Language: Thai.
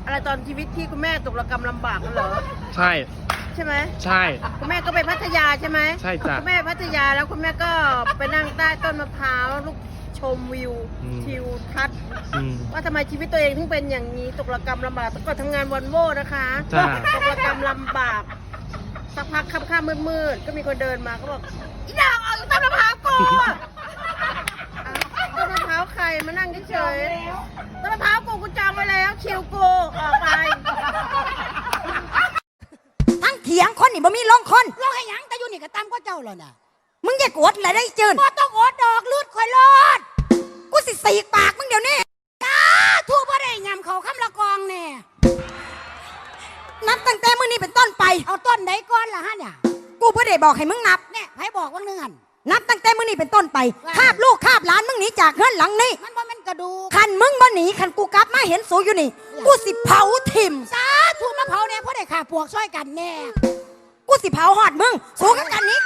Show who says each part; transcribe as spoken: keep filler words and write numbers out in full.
Speaker 1: อะไรตอนชีวิตที่คุณแม่ตกระกำลำบากกันเหรอ
Speaker 2: ใช่
Speaker 1: ใช่ไหม
Speaker 2: ใช่
Speaker 1: คุณแม่ก็ไปพัทยาใช่ไหม
Speaker 2: ใช่จ้ะ
Speaker 1: คุณแม่พัทยาแล้วคุณแม่ก็ไปนั่งใต้ต้นมะพร้าวลูกชมวิวทิวทัศน์ว่าทำไมชีวิตตัวเองถึงเป็นอย่างนี้ตกระกำลำบากแต่ก่อนทำงานวอลโว่นะคะตกระกำลำบากสักพักค่ำๆมืดๆก็มีคนเดินมาก็บอกอีดาวเอาต้นมะพร้าวกูต้นมะพร้าวใครมานั่งเฉยๆต้นมะพร้าวกูกูจองไว้แล้วคิวกูออกไป
Speaker 3: ทั้งเถียงคนนี่บ่มีลงคนลงให้หยังแต่อยู่นี่ก็ตามก็เจ้าแล้วน่ะมึงอย่ากดอะไรได้จืนบ่ต้องอดดอกลืดข่อยรอดกูสิสีกปากมึงเดี๋ยวนี้จ้าทั่วบ่ได้ยำเขาคำละกองแน่นับตั้งแต่มื้อนี้เป็นต้นไปเอาต้นไหนก่อนล่ะฮะเนี่ยกูบ่ได้บอกให้มึงนับเนี่ยให้บอกว่าเนื่อนนับตั้งแต่มื้อนี้เป็นต้นไปคาบลูกคาบหลานมึงหนีจากเฮือนหลังนี้มันบ่แม่นกระดูกคันมึงบ่หนีคันกูกลับมาเห็นสูอยู่นี่กูสิเผาถิ่มสาธุมาเผาแน่เพราะได้ฆ่าปวกช่วยกันแน่กูสิเผาหอดมึงสู้กันกันนี้